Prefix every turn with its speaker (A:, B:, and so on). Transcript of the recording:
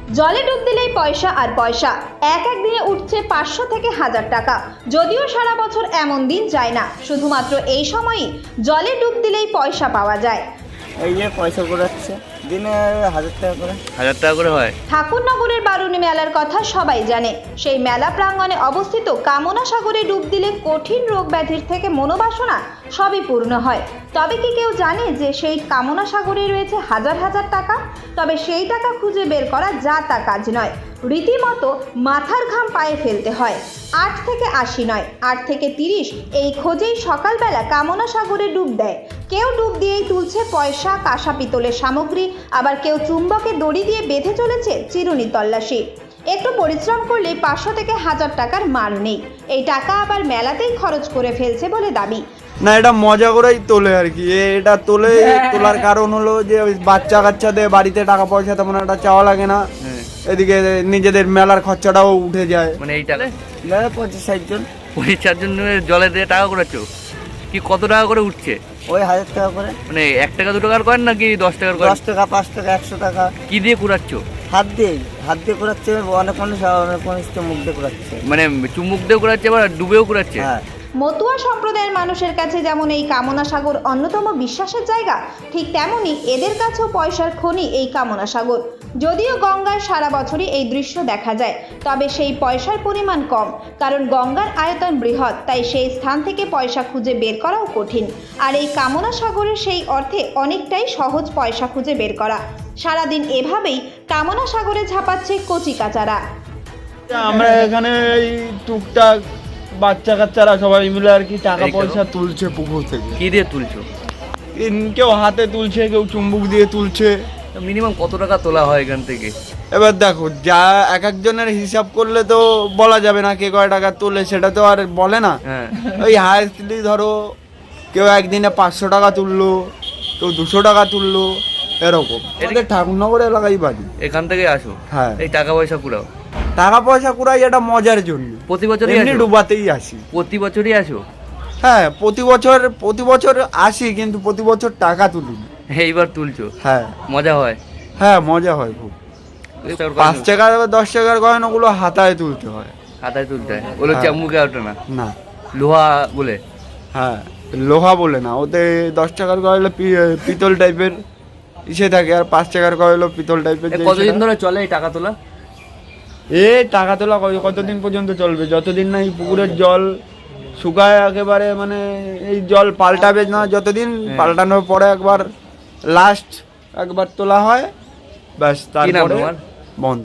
A: জলে ডুব দিলেই পয়সা আর পয়সা। এক দিনে উঠছে 500 থেকে 1000 টাকা। যদিও সারা বছর এমন দিন যায় না, শুধুমাত্র এই সময়ই জলে ডুব দিলেই পয়সা পাওয়া যায়।
B: এই যে পয়সা ঘোরাচ্ছে দিনে 1000 টাকা করে।
C: 1000 টাকা করে হয়।
A: ঠাকুরনগরের বারুণী মেলার কথা সবাই জানে। সেই মেলা প্রাঙ্গণে অবস্থিত কামনা সাগরে ডুব দিলে কঠিন রোগ ব্যাধির থেকে মনোবাসনা সবই পূর্ণ হয়। তবে কি কেউ জানে যে সেই কামনা সাগরে রয়েছে হাজার হাজার টাকা? তবে সেই টাকা খুঁজে বের করা যা তা কাজ নয়, রীতিমতো মাথার ঘাম পায়ে ফেলতে হয়। 8 থেকে 80 নয়, 8 থেকে 30 এই খোঁজেই সকালবেলা কামনা সাগরে ডুব দেয়। কেউ ডুব দিয়েই তুলছে পয়সা, কাঁসা পিতলের সামগ্রী, আবার কেউ চুম্বকে দড়ি দিয়ে বেঁধে চলেছে চিরুনি তল্লাশি। একটু পরিশ্রম করলে 500 থেকে 1000 টাকার মার নেই। এই টাকা আবার মেলাতেই খরচ করে ফেলছে বলে দাবি।
D: না, এটা মজা করেই তোলে আর কি। এটা তোলার কারণ হলো যে ওই বাচ্চা কাচ্চাদের বাড়িতে টাকা পয়সা তেমন একটা চাওয়া লাগে না, এদিকে নিজেদের মেলার খরচাটাও উঠে যায়।
C: মানে এই টাকা
B: 25-60 জন।
C: 25 জন জলে দিয়ে টাকা করেছ কি? কত টাকা করে উঠছে?
B: ওই 1000 টাকা করে।
C: মানে 1 টাকা 2 টাকার কয়েন নাকি 10 টাকার কয়েন?
B: 10 টাকা, 5 টাকা, 100 টাকা।
C: কি দিয়ে কুড়াচ্ছ?
B: হাত দিয়ে করাচ্ছে। অনেক মানুষ তো মুখ দিয়ে করাচ্ছে।
C: মানে চুমুক দিয়ে কুড়াচ্ছে আবার ডুবেও কুড়াচ্ছে।
B: হ্যাঁ।
A: মতুয়া সম্প্রদায়ের মানুষের কাছে যেমন এই কামনা সাগর অন্যতম বিশ্বাসের জায়গা, ঠিক তেমনি এদের কাছেও পয়সার খনি এই কামনা সাগর। যদিও গঙ্গায় সারা বছরই এই দৃশ্য দেখা যায়, তবে সেই পয়সার পরিমাণ কম, কারণ গঙ্গার আয়তন বৃহৎ, তাই সেই স্থান থেকে পয়সা খুঁজে বের করাও কঠিন। আর এই কামনা সাগরের সেই অর্থে অনেকটাই সহজ পয়সা খুঁজে বের করা। সারাদিন এভাবেই কামনা সাগরে ঝাঁপাচ্ছে কচি কাচারা।
D: আমরা এখানে এই টুকটাক বাচ্চা কাচ্চারা সবাই মিলে আর কি টাকা পয়সা তুলছে পুকুর থেকে।
C: কি দিয়ে তুলছো?
D: কেউ হাতে তুলছে, কেউ চুম্বুক দিয়ে তুলছে।
C: মিনিমাম কত টাকা তোলা হয় এখান থেকে?
D: এবার দেখো, যা এক একজনের হিসাব করলে তো বলা যাবে না কে কয় টাকা তোলে, সেটা তো আর বলে না।
C: হ্যাঁ।
D: ওই হায়েস্টলি ধরো কেউ একদিনে 500 টাকা তুললো, কেউ 200 টাকা তুললো, এরকম। আমাদের ঠাকুরনগর এলাকায় বাড়ি।
C: এখান থেকে আসো?
D: হ্যাঁ।
C: এই টাকা পয়সা কুড়াও?
D: টাকা পয়সা কুড়াই এটা মজার জন্য,
C: প্রতি বছরই
D: এমনি
C: আসো?
D: ডুবাতেই আসি।
C: প্রতি বছরই আসো?
D: হ্যাঁ, প্রতি বছর আসি, কিন্তু প্রতি বছর টাকা তুলি না।
C: এইবার তুলছো?
D: হ্যাঁ।
C: মজা হয়?
D: হ্যাঁ, মজা হয় খুব। 5 টাকা 10 টাকার কয়েন ওগুলো হাতায় তুলতে হয়।
C: হাতায় তুলতে হয়? ওগুলো
D: হ্যাঁ।
C: চামুকে ওঠে না?
D: না।
C: লোহা বলে?
D: হ্যাঁ, লোহা বলে না, ওতে 10 টাকার কয়েন হলো পিতল টাইপের ইসে থাকে, আর 5 টাকার কয়েন হলো পিতল টাইপের।
C: কতদিন ধরে চলে এই টাকা তোলা?
D: টাকা তোলা কতদিন পর্যন্ত চলবে? যতদিন না এই পুকুরের জল শুকায় একেবারে, মানে এই জল পাল্টাবে না, যতদিন পাল্টানোর পরে একবার লাস্ট একবার তোলা হয়, ব্যাস, তারপরে বন্ধ।